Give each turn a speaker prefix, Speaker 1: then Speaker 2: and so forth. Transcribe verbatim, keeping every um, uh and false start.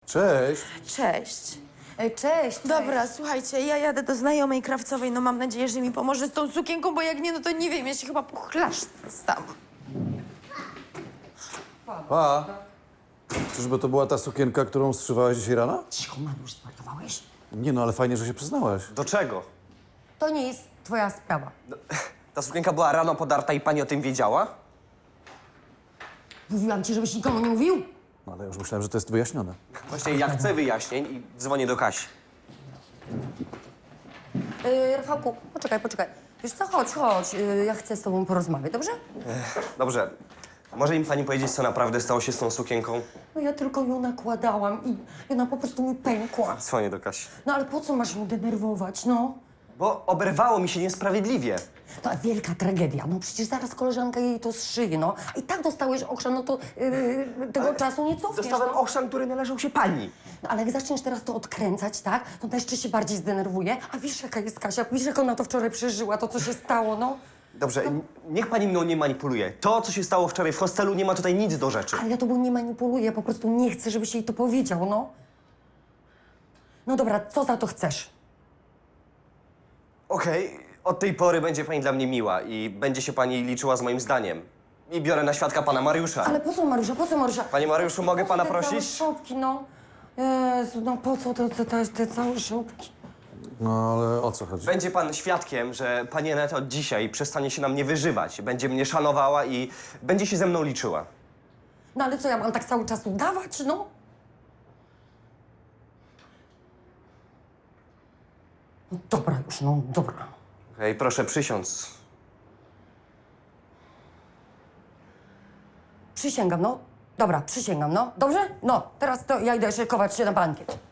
Speaker 1: Cześć.
Speaker 2: Cześć.
Speaker 3: Ej, cześć.
Speaker 2: Dobra, słuchajcie, ja jadę do znajomej krawcowej, no mam nadzieję, że mi pomoże z tą sukienką, bo jak nie, no to nie wiem, ja się chyba pochlasztam.
Speaker 1: Pa. Czyżby to była ta sukienka, którą strzywałeś dzisiaj rano?
Speaker 3: Cicho, Manusz, zwariowałeś?
Speaker 1: Nie no, ale fajnie, że się przyznałaś.
Speaker 4: Do czego?
Speaker 3: To nie jest twoja sprawa.
Speaker 4: Ta sukienka była rano podarta i pani o tym wiedziała?
Speaker 3: Mówiłam ci, żebyś nikomu nie mówił?
Speaker 1: No, ale już myślałem, że to jest wyjaśnione.
Speaker 4: Właśnie ja chcę wyjaśnień i dzwonię do Kasi.
Speaker 3: Yy, Rafałku, poczekaj, poczekaj. Wiesz co, chodź, chodź. Yy, ja chcę z tobą porozmawiać, dobrze?
Speaker 4: Dobrze. Może mi pani powiedzieć, co naprawdę stało się z tą sukienką?
Speaker 3: No ja tylko ją nakładałam i i ona po prostu mi pękła.
Speaker 4: Dzwonię do Kasi.
Speaker 3: No ale po co masz ją denerwować, no?
Speaker 4: Bo oberwało mi się niesprawiedliwie.
Speaker 3: To wielka tragedia. No przecież zaraz koleżanka jej to zszyje, no. A i tak dostałeś okrzan, no to yy, tego czasu nie cofniesz,
Speaker 4: Dostałem
Speaker 3: no.
Speaker 4: ochrzan, który należał się pani.
Speaker 3: No ale jak zaczniesz teraz to odkręcać, tak? To ona jeszcze się bardziej zdenerwuje. A wiesz, jaka jest Kasia? Wiesz, jak ona to wczoraj przeżyła, to co się stało, no?
Speaker 4: Dobrze, n- niech pani mną nie manipuluje. To, co się stało wczoraj w hostelu, nie ma tutaj nic do rzeczy.
Speaker 3: Ale ja tobą nie manipuluję, po prostu nie chcę, żebyś jej to powiedział, no. No dobra, co za to chcesz?
Speaker 4: Okej, od tej pory będzie pani dla mnie miła i będzie się pani liczyła z moim zdaniem. I biorę na świadka pana Mariusza.
Speaker 3: Ale po co, Mariusza, po co, Mariusza?
Speaker 4: Panie Mariuszu, mogę
Speaker 3: Po co
Speaker 4: pana
Speaker 3: te całe
Speaker 4: prosić?
Speaker 3: szopki, no. Jezu, no po co te, te, te, te całe szopki?
Speaker 1: No, ale o co chodzi?
Speaker 4: Będzie pan świadkiem, że pani Aneta od dzisiaj przestanie się na mnie wyżywać. Będzie mnie szanowała i będzie się ze mną liczyła.
Speaker 3: No ale co, ja mam tak cały czas udawać, no? No dobra już, no dobra.
Speaker 4: Okej, proszę przysiąc.
Speaker 3: Przysięgam, no. Dobra, przysięgam, no. Dobrze? No, teraz to ja idę szykować się na bankiet.